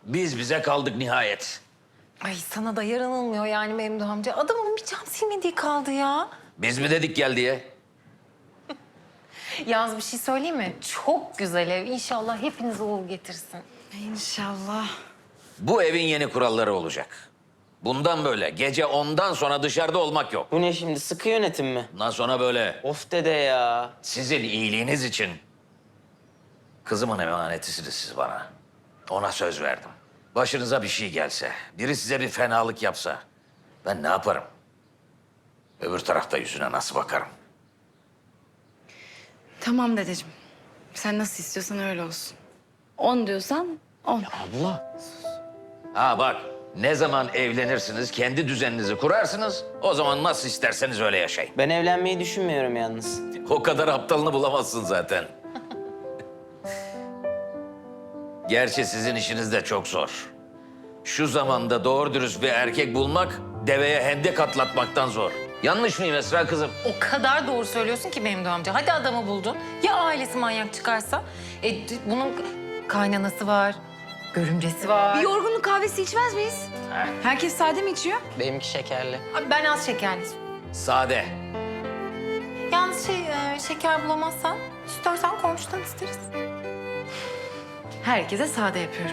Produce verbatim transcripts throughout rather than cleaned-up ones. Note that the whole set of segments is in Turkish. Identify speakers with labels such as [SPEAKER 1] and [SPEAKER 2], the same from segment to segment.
[SPEAKER 1] Biz bize kaldık nihayet.
[SPEAKER 2] Ay sana da yaranılmıyor yani Memduh amca. Adamın bir cam silmediği kaldı ya.
[SPEAKER 1] Biz mi dedik gel diye?
[SPEAKER 2] Yalnız bir şey söyleyeyim mi? Çok güzel ev. İnşallah hepinize uğur getirsin.
[SPEAKER 3] İnşallah.
[SPEAKER 1] Bu evin yeni kuralları olacak. Bundan böyle gece ondan sonra dışarıda olmak yok.
[SPEAKER 4] Bu ne şimdi, sıkı yönetim mi?
[SPEAKER 1] Bundan sonra böyle
[SPEAKER 4] Of dede ya.
[SPEAKER 1] sizin iyiliğiniz için kızımın emanetisiniz siz bana. Ona söz verdim. Başınıza bir şey gelse, biri size bir fenalık yapsa ben ne yaparım? Öbür tarafta yüzüne nasıl bakarım?
[SPEAKER 3] Tamam dedeciğim. Sen nasıl istiyorsan öyle olsun. On diyorsan on.
[SPEAKER 4] Abla.
[SPEAKER 1] Ha bak, ne zaman evlenirsiniz, kendi düzeninizi kurarsınız, o zaman nasıl isterseniz öyle yaşayın.
[SPEAKER 4] Ben evlenmeyi düşünmüyorum yalnız.
[SPEAKER 1] O kadar aptalını bulamazsın zaten. Gerçi sizin işiniz de çok zor. Şu zamanda doğru dürüst bir erkek bulmak, deveye hendek atlatmaktan zor. Yanlış mıyım Esra kızım?
[SPEAKER 2] O kadar doğru söylüyorsun ki Memduh amca. Hadi adamı buldun. Ya ailesi manyak çıkarsa? E, d- bunun kaynanası var, görümcesi var.
[SPEAKER 3] Bir yorgunluk kahvesi içmez miyiz? Herkes sade mi içiyor?
[SPEAKER 4] Benimki şekerli.
[SPEAKER 2] Abi ben az şekerli.
[SPEAKER 1] Sade.
[SPEAKER 2] Yalnız şey, e, şeker bulamazsan istersen komşudan isteriz.
[SPEAKER 3] Herkese sade yapıyorum.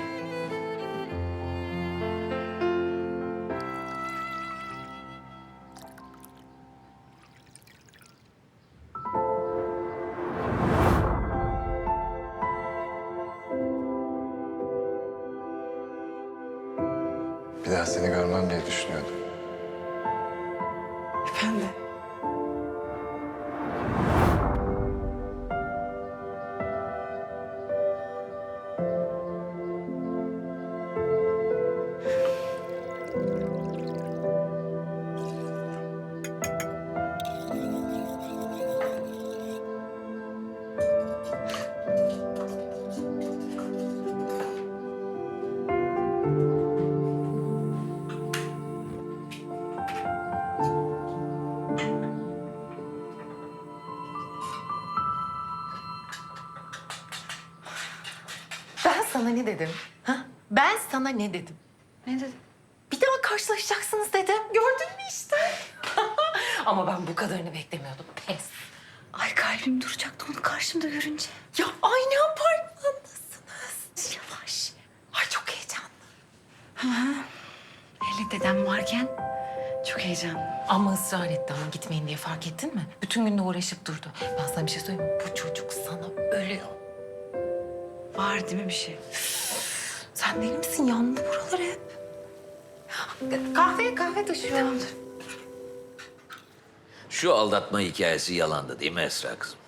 [SPEAKER 5] Bir daha seni görmem diye düşünüyordum.
[SPEAKER 3] Ben de.
[SPEAKER 2] Ben sana ne dedim? Ha? Ben sana ne dedim?
[SPEAKER 3] Ne dedin?
[SPEAKER 2] Bir daha karşılaşacaksınız dedim. Gördün mü işte? Ama ben bu kadarını beklemiyordum. Pes.
[SPEAKER 3] Ay kalbim duracaktı onu karşımda görünce.
[SPEAKER 2] Ya aynı apartmandasınız. Yavaş. Ay çok heyecanlı.
[SPEAKER 3] Hele dedem varken çok heyecanlı.
[SPEAKER 2] Ama ısrar etti ama gitmeyin diye fark ettin mi? Bütün gün de uğraşıp durdu. Ben sana bir şey söyleyeyim mi? Bu çocuk sana ölüyor.
[SPEAKER 3] Var değil mi bir şey?
[SPEAKER 2] Sen deli misin? Yandı buralar hep. Kahve, kahve taşıyor.
[SPEAKER 3] Tamamdır.
[SPEAKER 1] Şu aldatma hikayesi yalandı değil mi Esra kızım?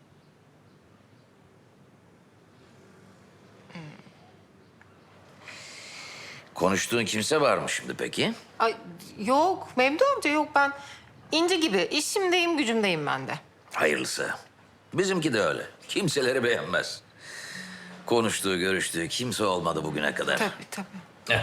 [SPEAKER 1] Konuştuğun kimse var mı şimdi peki?
[SPEAKER 2] Ay yok Memduh amca yok ben inci gibi işimdeyim gücümdeyim ben de.
[SPEAKER 1] Hayırlısı. Bizimki de öyle. Kimseleri beğenmez. Konuştuğu, görüştüğü kimse olmadı bugüne kadar.
[SPEAKER 2] Tabii tabii.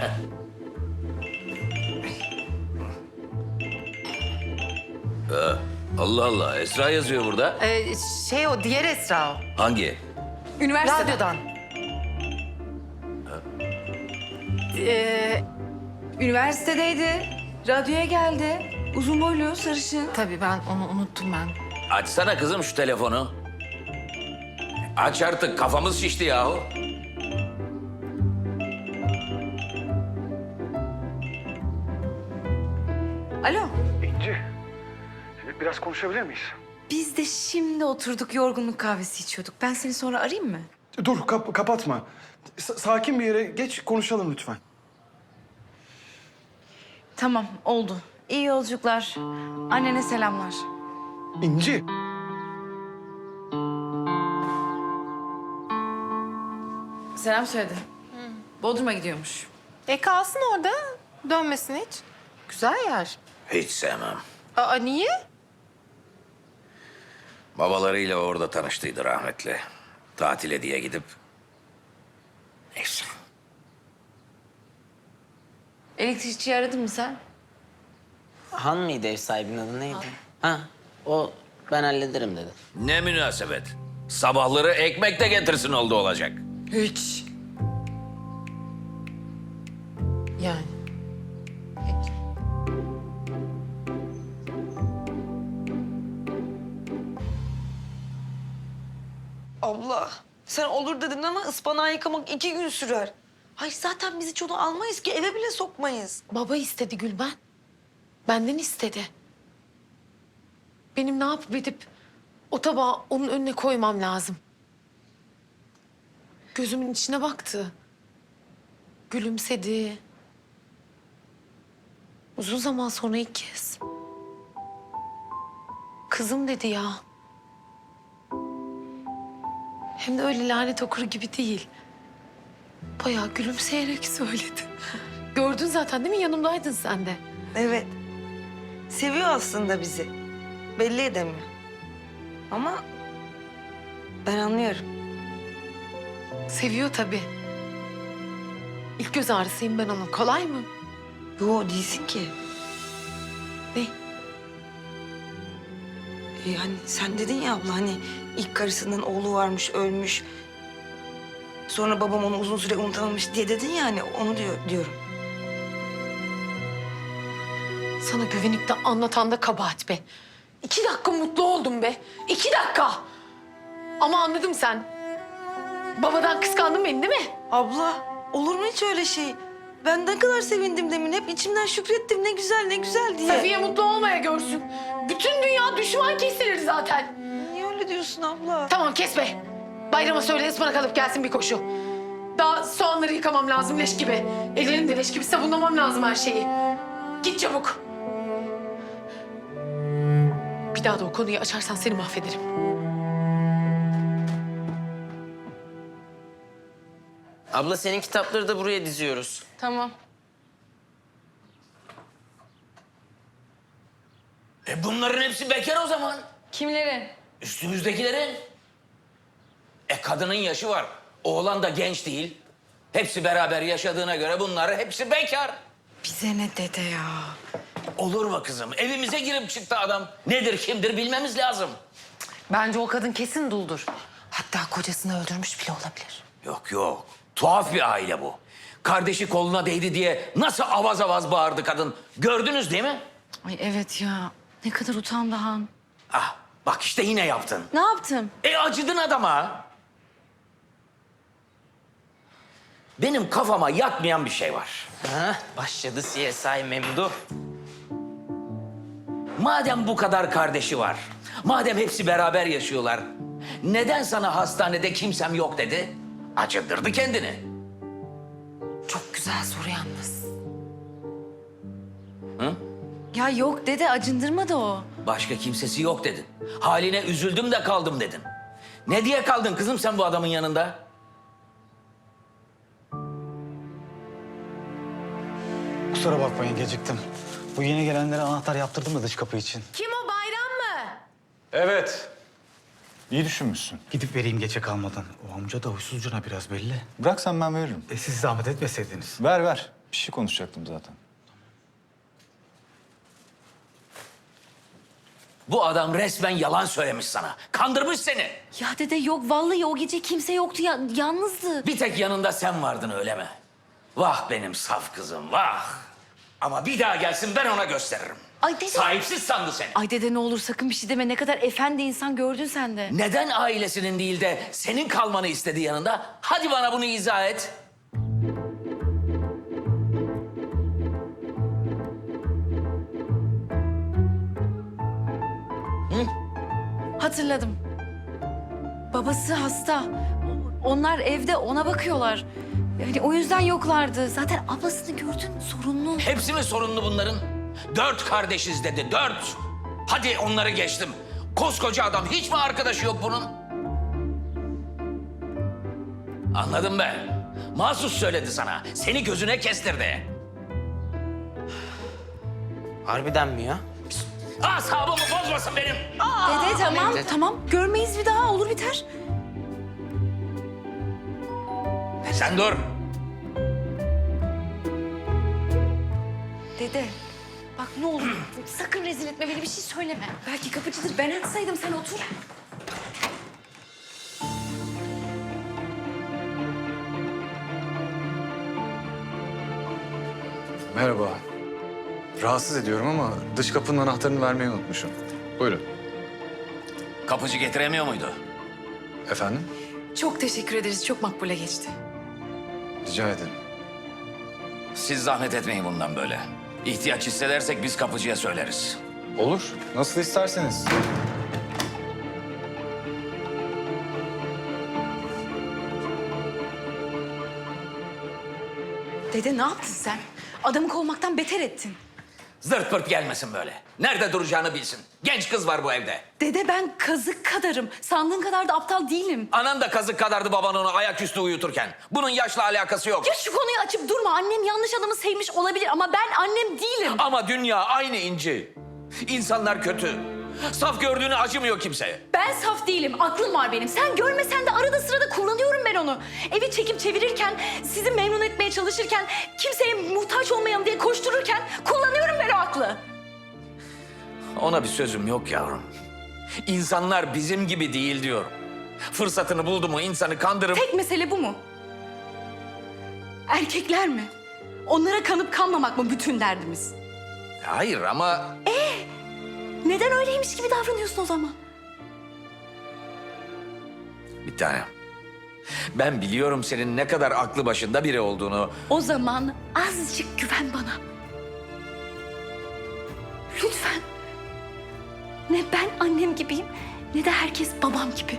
[SPEAKER 1] Allah Allah, Esra yazıyor burada.
[SPEAKER 2] Ee, şey o diğer Esra o.
[SPEAKER 1] Hangi?
[SPEAKER 3] Üniversitede.
[SPEAKER 2] Radyodan. Ee,
[SPEAKER 3] Üniversitedeydi. Radyoya geldi. Uzun boylu, sarışın.
[SPEAKER 2] tabii ben onu unuttum ben.
[SPEAKER 1] Açsana kızım şu telefonu. Aç artık, kafamız şişti yahu.
[SPEAKER 3] Alo.
[SPEAKER 6] İnci, biraz konuşabilir miyiz?
[SPEAKER 3] Biz de şimdi oturduk yorgunluk kahvesi içiyorduk. Ben seni sonra arayayım mı?
[SPEAKER 6] Dur, kap- kapatma. S- sakin bir yere geç, konuşalım lütfen.
[SPEAKER 3] Tamam oldu. İyi yolculuklar. Annene selamlar.
[SPEAKER 6] İnci,
[SPEAKER 3] Selam söyledi. Bodrum'a gidiyormuş.
[SPEAKER 2] E kalsın orada dönmesin hiç. Güzel yer.
[SPEAKER 1] Hiç sevmem.
[SPEAKER 2] Aa niye?
[SPEAKER 1] Babalarıyla orada tanıştıydı rahmetli. Tatile diye gidip... Neyse.
[SPEAKER 3] Elektrikçiyi aradın mı sen?
[SPEAKER 4] Han mıydı ev sahibinin adı neydi? Ha, o ben hallederim dedi.
[SPEAKER 1] Ne münasebet. Sabahları ekmek de getirsin oldu olacak.
[SPEAKER 2] Hiç. Yani. Peki.
[SPEAKER 7] Abla sen olur dedin ama ıspanağı yıkamak iki gün sürer. Ay zaten biz hiç onu almayız ki eve bile sokmayız.
[SPEAKER 8] Baba istedi Gülben. Benden istedi. Benim ne yapıp edip o tabağı onun önüne koymam lazım. Gözümün içine baktı. Gülümsedi. Uzun zaman sonra ilk kez. Kızım dedi ya. Hem de öyle lanet okuru gibi değil. Bayağı gülümseyerek söyledi. Gördün zaten değil mi? Yanımdaydın sen de.
[SPEAKER 7] Evet. Seviyor aslında bizi. Belli edemiyor. Ama ben anlıyorum.
[SPEAKER 8] Seviyor tabii. İlk göz ağrısıyım ben onun. Kolay mı?
[SPEAKER 7] Yo değilsin ki.
[SPEAKER 8] Ne?
[SPEAKER 7] Ee, hani sen dedin ya abla hani ilk karısının oğlu varmış ölmüş. Sonra babam onu uzun süre unutamamış diye dedin ya hani onu diyor, diyorum.
[SPEAKER 8] Sana güvenip de anlatan da kabahat be. İki dakika mutlu oldum be. İki dakika. Ama anladım sen. Babadan kıskandın beni değil mi?
[SPEAKER 7] Abla olur mu hiç öyle şey? Ben ne kadar sevindim demin. Hep içimden şükrettim ne güzel ne güzel diye.
[SPEAKER 8] Safiye mutlu olmaya görsün. Bütün dünya düşman kesilir zaten.
[SPEAKER 7] Niye öyle diyorsun abla?
[SPEAKER 8] Tamam kes be. Bayrama söyle ıspanak alıp gelsin bir koşu. Daha soğanları yıkamam lazım leş gibi. Ellerim de leş gibi sabunlamam lazım her şeyi. Git çabuk. Bir daha da o konuyu açarsan seni mahvederim.
[SPEAKER 4] Abla senin kitapları da buraya diziyoruz.
[SPEAKER 8] Tamam.
[SPEAKER 1] E bunların hepsi bekar o zaman.
[SPEAKER 2] Kimlerin?
[SPEAKER 1] Üstümüzdekilerin. E kadının yaşı var. Oğlan da genç değil. Hepsi beraber yaşadığına göre bunlar hepsi bekar.
[SPEAKER 7] Bize ne dede ya?
[SPEAKER 1] Olur mu kızım? Evimize girip çıktı adam. Nedir kimdir bilmemiz lazım.
[SPEAKER 2] Bence o kadın kesin duldur. Hatta kocasını öldürmüş bile olabilir.
[SPEAKER 1] Yok yok. Tuhaf bir aile bu. Kardeşi koluna değdi diye nasıl avaz avaz bağırdı kadın. Gördünüz değil mi?
[SPEAKER 3] Ay evet ya. Ne kadar utandı Han.
[SPEAKER 1] Ah bak işte yine yaptın.
[SPEAKER 3] Ne yaptım?
[SPEAKER 1] E acıdın adama. Benim kafama yatmayan bir şey var.
[SPEAKER 4] Ha, başladı C S I Memdu.
[SPEAKER 1] Madem bu kadar kardeşi var, madem hepsi beraber yaşıyorlar, neden sana hastanede kimsem yok dedi? Acındırdı kendini.
[SPEAKER 2] Çok güzel soru yalnız.
[SPEAKER 3] Ya yok dede acındırmadı o.
[SPEAKER 1] Başka kimsesi yok dedin. Haline üzüldüm de kaldım dedin. Ne diye kaldın kızım sen bu adamın yanında?
[SPEAKER 9] Kusura bakmayın geciktim. Bu yeni gelenlere anahtar yaptırdım da dış kapı için.
[SPEAKER 8] Kim o Bayram mı?
[SPEAKER 5] Evet. İyi düşünmüşsün.
[SPEAKER 9] Gidip vereyim geçe kalmadan. O amca da huysuzcuna biraz belli.
[SPEAKER 5] Bırak sen ben veririm.
[SPEAKER 9] E siz zahmet etmeseydiniz.
[SPEAKER 5] Ver ver. Bir şey konuşacaktım zaten.
[SPEAKER 1] Bu adam resmen yalan söylemiş sana. Kandırmış seni.
[SPEAKER 3] Ya dede yok vallahi o gece kimse yoktu ya yalnızdı.
[SPEAKER 1] Bir tek yanında sen vardın öyle mi? Vah benim saf kızım vah. Ama bir daha gelsin ben ona gösteririm.
[SPEAKER 3] Ay dede.
[SPEAKER 1] Sahipsiz sandı seni.
[SPEAKER 3] Ay dede ne olur sakın bir şey deme. Ne kadar efendi insan gördün sen de.
[SPEAKER 1] Neden ailesinin değil de senin kalmanı istedi yanında? Hadi bana bunu izah et.
[SPEAKER 3] Hatırladım. Babası hasta. Onlar evde ona bakıyorlar. Yani o yüzden yoklardı. Zaten ablasını gördün sorunlu.
[SPEAKER 1] Hepsi mi sorunlu bunların? Dört kardeşiz dedi, dört. Hadi onları geçtim. Koskoca adam, hiç mi arkadaşı yok bunun? Anladım ben. Mahsus söyledi sana. Seni gözüne kestirdi.
[SPEAKER 4] Harbiden mi ya?
[SPEAKER 1] Asabımı bozmasın benim.
[SPEAKER 3] Dede tamam tamam. Görmeyiz bir daha olur biter.
[SPEAKER 1] Sen dur.
[SPEAKER 3] Dede bak ne olur sakın rezil etme beni bir şey söyleme. Belki kapıcıdır ben açsaydım sen otur.
[SPEAKER 5] Merhaba. Rahatsız ediyorum ama dış kapının anahtarını vermeyi unutmuşum. Buyurun.
[SPEAKER 1] Kapıcı getiremiyor muydu?
[SPEAKER 5] Efendim?
[SPEAKER 8] Çok teşekkür ederiz. Çok makbule geçti.
[SPEAKER 5] Rica ederim.
[SPEAKER 1] Siz zahmet etmeyin bundan böyle. İhtiyaç hissedersek biz kapıcıya söyleriz.
[SPEAKER 5] Olur. Nasıl isterseniz.
[SPEAKER 3] Dede ne yaptın sen? Adamı kovmaktan beter ettin.
[SPEAKER 1] Zırt pırt gelmesin böyle. Nerede duracağını bilsin. Genç kız var bu evde.
[SPEAKER 3] Dede ben kazık kadarım. Sandığın kadar da aptal değilim.
[SPEAKER 1] Anan da kazık kadardı baban onu ayaküstü uyuturken. Bunun yaşla alakası yok.
[SPEAKER 3] Ya şu konuyu açıp durma. Annem yanlış adamı sevmiş olabilir ama ben annem değilim.
[SPEAKER 1] Ama dünya aynı İnci. İnsanlar kötü. Saf gördüğünü acımıyor kimseye.
[SPEAKER 3] Ben saf değilim. Aklım var benim. Sen görmesen de arada sırada kullanıyorum ben onu. Evi çekip çevirirken, sizi memnun etmeye çalışırken, kimseye muhtaç olmayalım diye koştururken kullanıyorum ben o aklı.
[SPEAKER 1] Ona bir sözüm yok yavrum. İnsanlar bizim gibi değil diyorum. Fırsatını buldu mu insanı kandırıp...
[SPEAKER 3] Tek mesele bu mu? Erkekler mi? Onlara kanıp kanmamak mı bütün derdimiz?
[SPEAKER 1] Hayır ama...
[SPEAKER 3] Neden öyleymiş gibi davranıyorsun o zaman?
[SPEAKER 1] Bir tane. Ben biliyorum senin ne kadar aklı başında biri olduğunu.
[SPEAKER 3] O zaman azıcık güven bana. Lütfen. Ne ben annem gibiyim, ne de herkes babam gibi.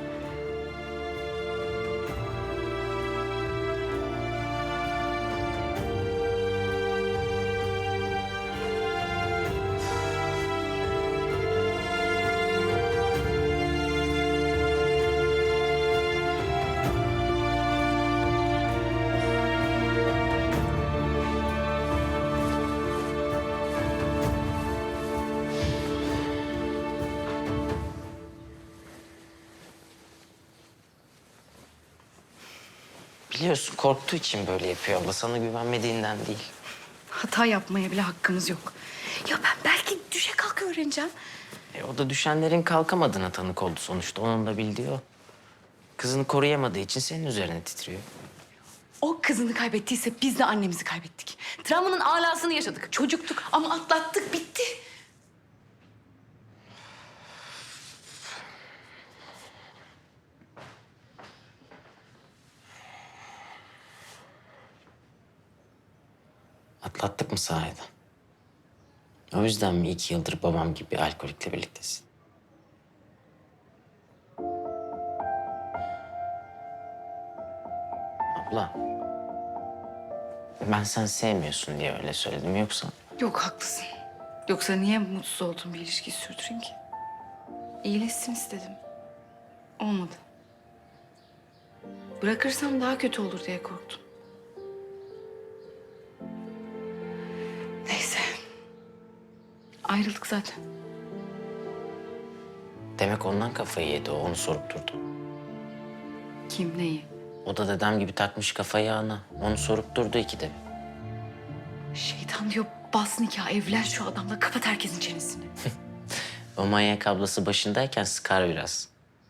[SPEAKER 4] Biliyorsun korktuğu için böyle yapıyor abla. Sana güvenmediğinden değil.
[SPEAKER 3] Hata yapmaya bile hakkımız yok. Ya ben belki düşe kalka öğreneceğim.
[SPEAKER 4] E, o da düşenlerin kalkamadığına tanık oldu sonuçta. Onun da bildiği o. Kızını koruyamadığı için senin üzerine titriyor.
[SPEAKER 3] O kızını kaybettiyse biz de annemizi kaybettik. Travmanın alasını yaşadık. Çocuktuk ama atlattık, bitti.
[SPEAKER 4] Atlattık mı sahiden? O yüzden mi iki yıldır babam gibi alkolikle birliktesin? Abla. Ben sen sevmiyorsun diye öyle söyledim. Yoksa
[SPEAKER 3] Yok haklısın. Yoksa niye mutsuz olduğum bir ilişkiyi sürdüreyim ki? İyileşsin istedim. Olmadı. Bırakırsam daha kötü olur diye korktum. Neyse. Ayrıldık zaten.
[SPEAKER 4] demek ondan kafayı yedi o. Onu sorup durdu.
[SPEAKER 3] Kim neyi?
[SPEAKER 4] O da dedem gibi takmış kafayı ana. Onu sorup durdu ikide bir.
[SPEAKER 3] Şeytan diyor bas nikah evlen şu adamla kapat herkesin çenesini.
[SPEAKER 4] O manyak ablası başındayken sıkar biraz.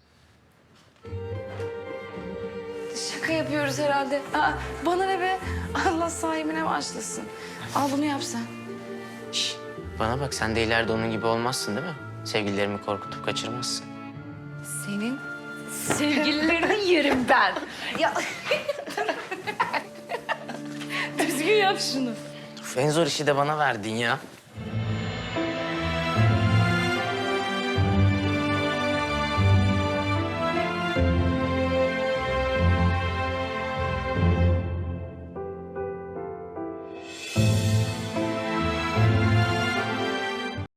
[SPEAKER 3] Şaka yapıyoruz herhalde. Aa, bana ne be? Allah sahibine başlasın. Al bunu yap sen.
[SPEAKER 4] Şş, bana bak sen de ileride onun gibi olmazsın değil mi? Sevgililerimi korkutup kaçırmazsın.
[SPEAKER 3] Senin sevgililerini yerim ben. Ya düzgün yap şunu.
[SPEAKER 4] Of, en zor işi de bana verdin ya.